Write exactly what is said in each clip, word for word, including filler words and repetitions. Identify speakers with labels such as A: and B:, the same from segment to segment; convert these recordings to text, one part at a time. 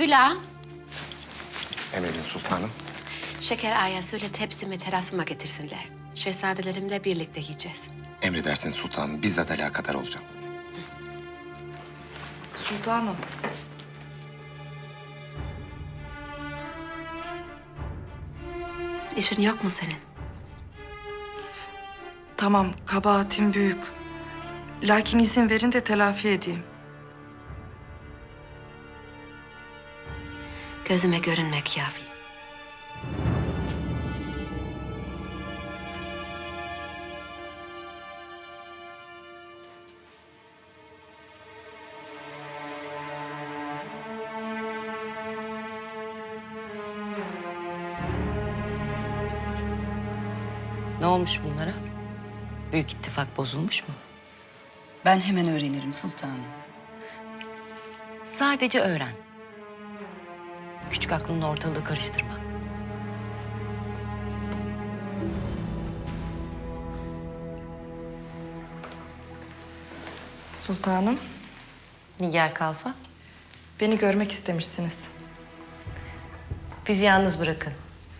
A: Güla,
B: Emredin sultanım.
A: Şeker Ağa'ya söyle tepsimi terasıma getirsinler. Şehzadelerimle birlikte yiyeceğiz.
B: Emredersiniz sultanım. Bizzat alakadar olacağım.
C: Sultanım.
A: İşin yok mu senin?
C: Tamam, kabahatim büyük. Lakin izin verin de telafi edeyim.
A: Gözüme görünmek kafi.
D: Ne olmuş bunlara? Büyük ittifak bozulmuş mu?
E: Ben hemen öğrenirim sultanım.
D: Sadece öğren. Küçük aklınla ortalığı karıştırma.
C: Sultanım,
D: Nigar Kalfa,
C: beni görmek istemişsiniz.
D: bizi yalnız bırakın.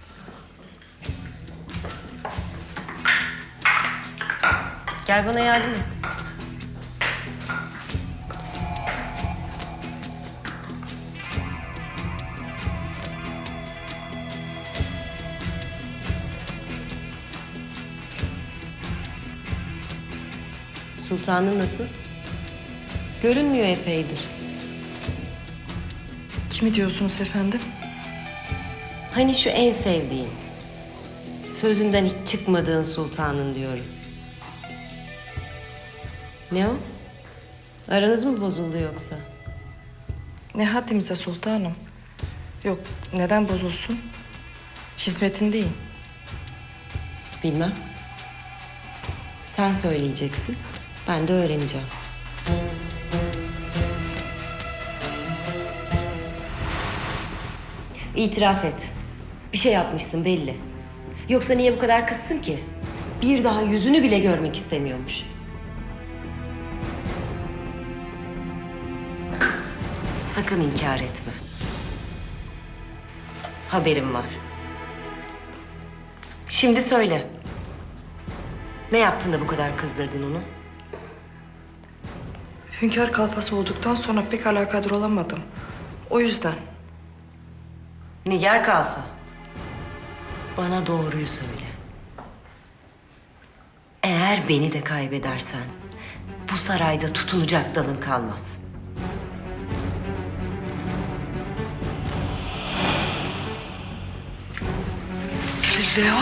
D: Gel bana yardım et. Sultanın nasıl? Görünmüyor epeydir.
C: Kimi diyorsunuz efendim?
D: Hani şu en sevdiğin, sözünden hiç çıkmadığın sultanın diyorum. Ne o? Aranız mı bozuldu yoksa?
C: Ne haddimize sultanım? Yok, neden bozulsun? Hizmetindeyim.
D: Bilmem. Sen söyleyeceksin, ben de öğreneceğim. İtiraf et. Bir şey yapmışsın belli. Yoksa niye bu kadar kızsın ki? Bir daha yüzünü bile görmek istemiyormuş. Sakın inkar etme. Haberim var. Şimdi söyle. Ne yaptın da bu kadar kızdırdın onu?
C: Hünkâr kalfası olduktan sonra pek alakadar olamadım. O yüzden.
D: Nigar Kalfa. Bana doğruyu söyle. Eğer beni de kaybedersen bu sarayda tutunacak dalın kalmaz.
C: Leo.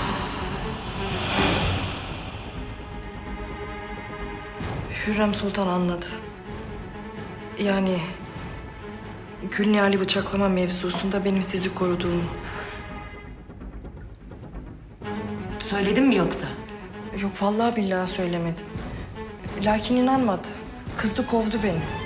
C: Hürrem Sultan anladı. Yani Gülnihal'i bıçaklama mevzusunda benim sizi koruduğumu.
D: Söyledin mi yoksa?
C: Yok vallahi billahi söylemedim. Lakin inanmadı. Kızdı kovdu beni.